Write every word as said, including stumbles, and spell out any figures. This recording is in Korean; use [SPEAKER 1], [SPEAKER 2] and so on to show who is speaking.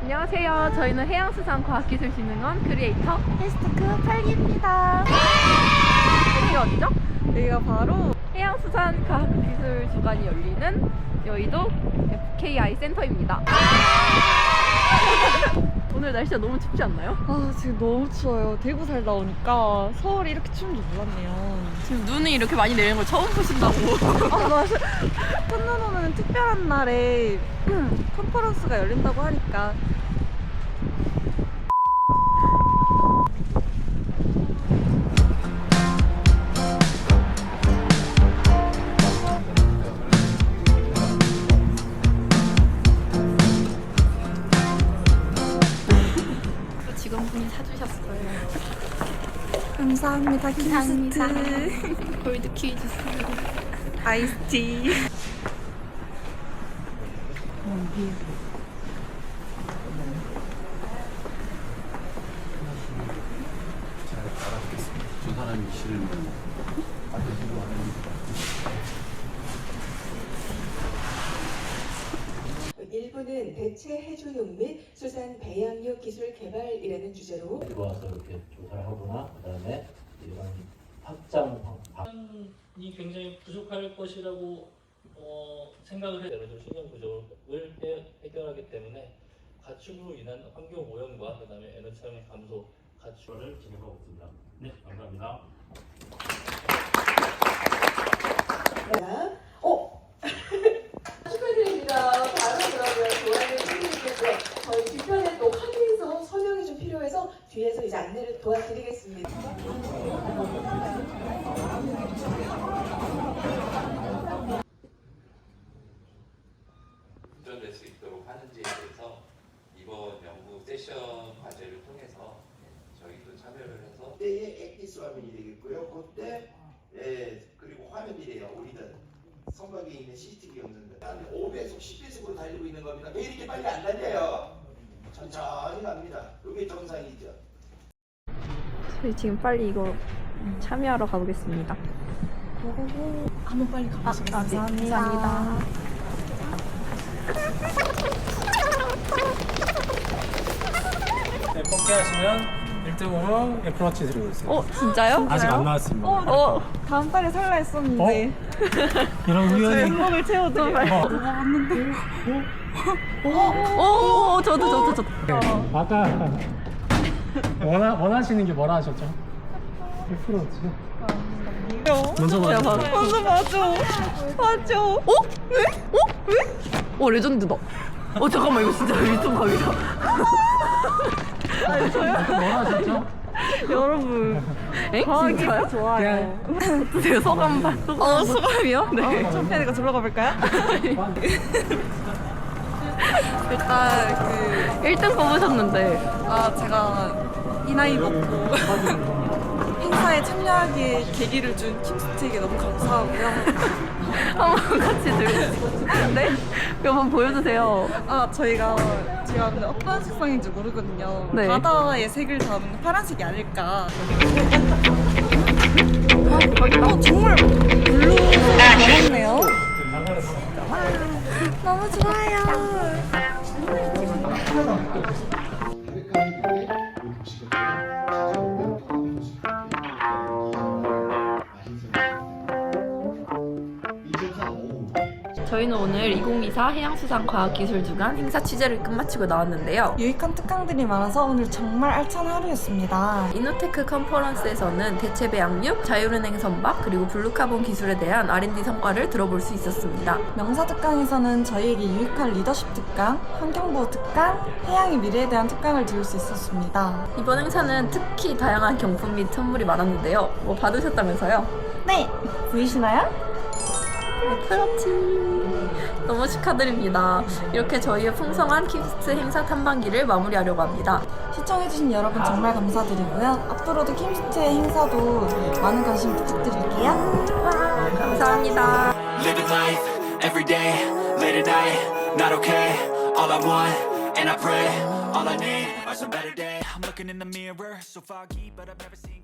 [SPEAKER 1] 안녕하세요. 저희는 해양수산과학기술진흥원 크리에이터
[SPEAKER 2] 테스트크 팔기입니다.
[SPEAKER 1] 여기가 어디죠?
[SPEAKER 2] 여기가 바로
[SPEAKER 1] 해양수산과학기술 주간이 열리는 여의도 에프케이아이 센터입니다. 오늘 날씨가 너무 춥지 않나요?
[SPEAKER 2] 아 지금 너무 추워요. 대구 살다 오니까 서울이 이렇게 추운 줄 몰랐네요.
[SPEAKER 1] 지금 눈이 이렇게 많이 내리는 걸 처음 보신다고.
[SPEAKER 2] 아 맞아. 첫눈 오는 특별한 날에 컨퍼런스가 열린다고 하니까
[SPEAKER 1] 직원분이 사주셨어요.
[SPEAKER 2] 감사합니다.
[SPEAKER 1] 감사합니다.
[SPEAKER 2] 킹스트
[SPEAKER 1] 골드 퀴즈
[SPEAKER 2] 아이스티.
[SPEAKER 3] 잘 알아보겠습니다. 두 사람이 싫으면 알려주고 하는
[SPEAKER 4] 일부는 대체 해조육 및 수산 배양육 기술 개발이라는 주제로
[SPEAKER 5] 들어와서 이렇게 조사를 하거나 그다음에 이런 확장 방
[SPEAKER 6] 이 굉장히 부족할 것이라고 어, 생각을 해요. 좀 신경 부족을 해, 해결하기 때문에 가축으로 인한 환경 오염과 그다음에 에너지 감소 가축을 진행하고 있습니다. 네, 감사합니다.
[SPEAKER 4] 어? 축하드립니다. 바로 그러면 도안을 해드리겠고요. 저희 뒤편에 또 확인서 설명이 좀 필요해서 뒤에서 이제 안내를 도와드리겠습니다.
[SPEAKER 7] 운전될 수 있도록 하는지에 대해서 이번 연구 세션 과제를 통해서 저희도 참여를 해서
[SPEAKER 8] 그때의 액기스 화면이 되겠고요. 그때 예, 그리고 화면이래요. 우리는 선박에 있는 씨씨티비 영상들 한 오 배속, 십 배속으로 달리고 있는 겁니다. 왜 이렇게 빨리 안 달려요? 천천히 갑니다. 이게 정상이죠.
[SPEAKER 1] 저희 지금 빨리 이거 참여하러 가보겠습니다.
[SPEAKER 2] 한번 빨리 가보시겠습니다.
[SPEAKER 1] 아, 네. 감사합니다.
[SPEAKER 9] 네, 뽑기 하시면 일 등으로 애플워치 드리고 있어요.
[SPEAKER 1] 어, 진짜요?
[SPEAKER 9] 아직 안 나왔습니다.
[SPEAKER 2] 어, 어, 다음 달에 살라 했었는데
[SPEAKER 9] 이런 우연히
[SPEAKER 2] 행복을 채워드려.
[SPEAKER 9] 어.
[SPEAKER 2] 먹어봤는데
[SPEAKER 1] 오, 오, 오, 저도, 저도, 저도.
[SPEAKER 9] 네, 아까 원하, 원하시는 게 뭐라 하셨죠? 애플워치요? 먼저
[SPEAKER 1] 야,
[SPEAKER 9] 봐주세요.
[SPEAKER 1] 봐봐.
[SPEAKER 2] 맞아 맞아 맞아.
[SPEAKER 1] 어? 왜? 어? 왜? 어, 레전드다. 어, 잠깐만, 이거 진짜 유튜브 각이다.
[SPEAKER 9] 아까 뭐라 하셨죠?
[SPEAKER 2] 여러분
[SPEAKER 1] 엥?
[SPEAKER 2] 과학이
[SPEAKER 1] 진짜요?
[SPEAKER 2] 좋아요.
[SPEAKER 1] 제 소감, 봐- 소감. 어, 소감이요? 네.
[SPEAKER 2] 천편이가 들어가 볼까요? 일단 그
[SPEAKER 1] 일 등 뽑으셨는데.
[SPEAKER 2] 아 제가 이 나이 먹고 행사에 참여하기에 계기를 준 킴스트에게 너무 감사하고요.
[SPEAKER 1] 한번 같이 들고. 네? 한번 보여주세요.
[SPEAKER 2] 아 저희가 제가 근데 어떤 색상인지 모르거든요.
[SPEAKER 1] 네.
[SPEAKER 2] 바다의 색을 담은 파란색이 아닐까. 어 정말 블루 담았네요. 너무 좋아요.
[SPEAKER 1] 저희는 오늘 이천이십사 해양수산과학기술주간 행사 취재를 끝마치고 나왔는데요.
[SPEAKER 2] 유익한 특강들이 많아서 오늘 정말 알찬 하루였습니다.
[SPEAKER 1] 이노테크 컨퍼런스에서는 대체 배양육, 자율은행 선박, 그리고 블루카본 기술에 대한 알 앤 디 성과를 들어볼 수 있었습니다.
[SPEAKER 2] 명사 특강에서는 저희에게 유익한 리더십 특강, 환경보호 특강, 해양의 미래에 대한 특강을 들을 수 있었습니다.
[SPEAKER 1] 이번 행사는 특히 다양한 경품 및 선물이 많았는데요. 뭐 받으셨다면서요?
[SPEAKER 2] 네! 보이시나요?
[SPEAKER 1] 그렇지. 너무 축하드립니다. 이렇게 저희의 풍성한 킴스트 행사 탐방기를 마무리하려고 합니다.
[SPEAKER 2] 시청해주신 여러분 정말 감사드리고요. 앞으로도 킴스트의 행사도 많은 관심 부탁드릴게요.
[SPEAKER 1] 감사합니다.
[SPEAKER 10] Living life every day, late at night, not okay. All I want, and I pray, all I need are some better days. I'm looking in the mirror, so foggy, but I've never seen.